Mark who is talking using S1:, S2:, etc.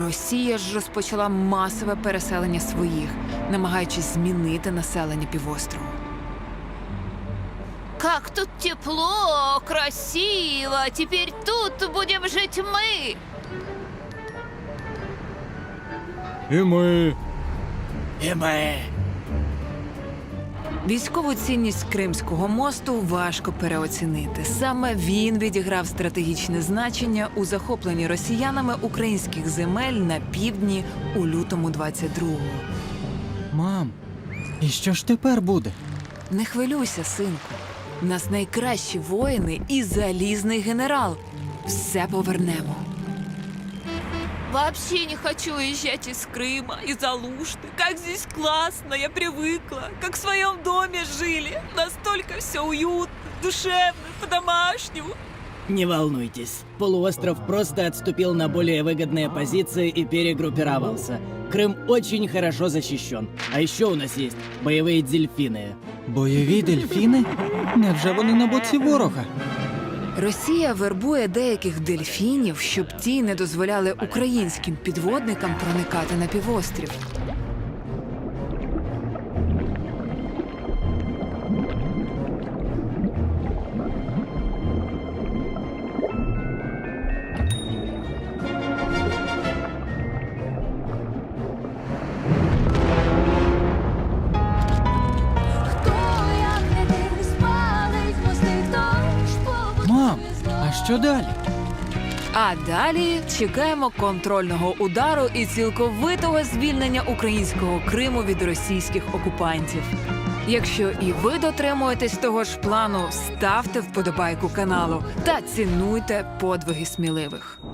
S1: Росія ж розпочала масове переселення своїх, намагаючись змінити населення півострову.
S2: Как тут тепло, красиво. Теперь тут будем жить мы.
S3: І ми.
S1: Військову цінність Кримського мосту важко переоцінити. Саме він відіграв стратегічне значення у захопленні росіянами українських земель на півдні у лютому 22-го.
S3: Мам, і що ж тепер буде?
S1: Не хвилюйся, синку. В нас найкращі воїни і залізний генерал. Все повернемо.
S2: Вообще не хочу уезжать из Крыма, из Алушты. Как здесь классно, я привыкла. Как в своем доме жили. Настолько все уютно, душевно, по-домашнему.
S4: Не волнуйтесь, полуостров просто отступил на более выгодные позиции и перегруппировался. Крым очень хорошо защищен. А еще у нас есть боевые дельфины.
S3: Бойові дельфіни? Невже вони на боці ворога?
S1: Росія вербує деяких дельфінів, щоб ті не дозволяли українським підводникам проникати на півострів.
S3: Мам, а що далі?
S1: А далі чекаємо контрольного удару і цілковитого звільнення українського Криму від російських окупантів. Якщо і ви дотримуєтесь того ж плану, ставте вподобайку каналу та цінуйте подвиги сміливих.